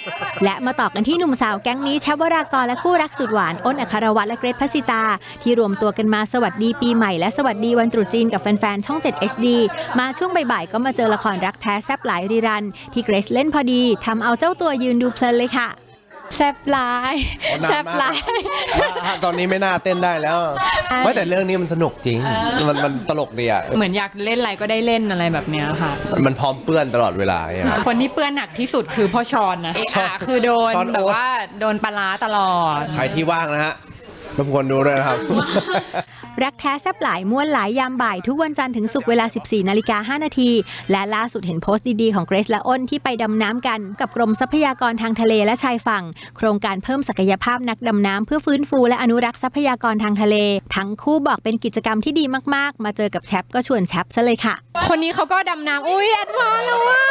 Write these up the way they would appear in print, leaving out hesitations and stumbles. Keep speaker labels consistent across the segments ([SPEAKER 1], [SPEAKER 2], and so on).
[SPEAKER 1] และมาต่อกันที่หนุ่มสาวแก๊งนี้แชปวรากรและคู่รักสุดหวานอ้นอัครวัฒน์และเกรทภัสสิตาที่รวมตัวกันมาสวัสดีปีใหม่และสวัสดีวันตรุษจีนกับแฟนๆช่อง 7 HD มาช่วงบ่ายๆก็มาเจอละครรักแท้แซ่บหลายรีรันที่เกรซเล่นพอดีทำเอาเจ้าตัวยืนดูเพลินเลยค่ะ
[SPEAKER 2] แซ่บหลายแซ่บหลาย
[SPEAKER 3] ตอนนี้ไม่น่าเต้นได้แล้วไม่แต่เรื่องนี้มันสนุกจริงมันตลกดีอ่ะ
[SPEAKER 2] เหมือนอยากเล่นอะไรก็ได้เล่นอะไรแบบเนี้ยค่ะ
[SPEAKER 3] มันพร้อมเปื้อนตลอดเวลา
[SPEAKER 2] คนที่เปื้อนหนักที่สุดคือพ่อชอนนะคือโดนแบบว่าโดนปลาตลอด
[SPEAKER 3] ใครที่ว่างนะฮะรบกวนดูด้วยนะครับ
[SPEAKER 1] รักแท้แซ่บหลายม่วนหลายยามบ่ายทุกวันจันทร์ถึงศุกร์เวลา 14:05 น.และล่าสุดเห็นโพสต์ดีๆของเกรซและอ้นที่ไปดำน้ำกันกับกรมทรัพยากรทางทะเลและชายฝั่งโครงการเพิ่มศักยภาพนักดำน้ำเพื่อฟื้นฟูและอนุรักษ์ทรัพยากรทางทะเลทั้งคู่บอกเป็นกิจกรรมที่ดีมากๆมาเจอกับแชปก็ชวนแชปซะเลยค่ะ
[SPEAKER 2] คนนี้เขาก็ดำน้ำอุ้ยแอดวานซ์แล้วว่า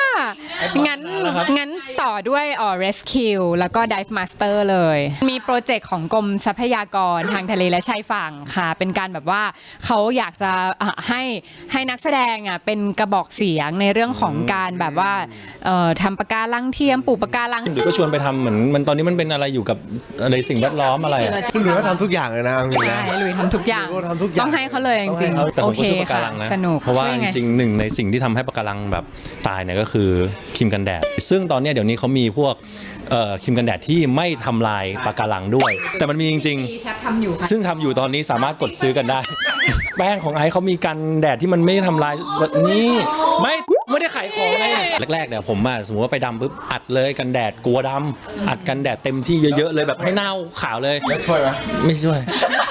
[SPEAKER 2] งั้นต่อด้วยrescue แล้วก็ dive master เลยมีโปรเจกต์ของกรมทรัพยากรทางทะเลและชายฝั่งค่ะเป็นการแบบว่าเขาอยากจะให้นักแสดงเป็นกระบอกเสียงในเรื่องของการแบบว่าทำปะการังเทียมปลูกปะการัง
[SPEAKER 4] หรือก็ชวนไปทำเหมือนมันตอนนี้มันเป็นอะไรอยู่กับอะไรสิ่งแวดล้อมอะไร
[SPEAKER 3] คุณหลุยส์ทำทุกอย่างเลยนะ
[SPEAKER 2] ใช่หลุยส์ทำทุกอย่างต้องให้เขาเลยจริงๆโอเคค่ะสนุก
[SPEAKER 4] เพราะว่าจริงๆหนึ่งในสิ่งที่ทำให้ปะการังแบบตายเนี่ยก็คือครีมกันแดดซึ่งตอนนี้เดี๋ยวนี้เขามีพวกครีมกันแดดที่ไม่ทำลายปะการังด้วยแต่มันมีจริงๆซึ่งทำอยู่ตอนนี้สามารถกดซื้อกันได้แป้งของไอซ์เขามีกันแดดที่มันไม่ทำลายนี่ไม่ได้ขายของไงแรกๆเนี่ยผมสมมติว่าไปดำปุ๊บอัดเลยกันแดดกลัวดำอัดกันแดดเต็มที่เยอะๆเลยแบบให้หน้าขาวเลย
[SPEAKER 3] ช่วยไหม
[SPEAKER 4] ไม่ช่วย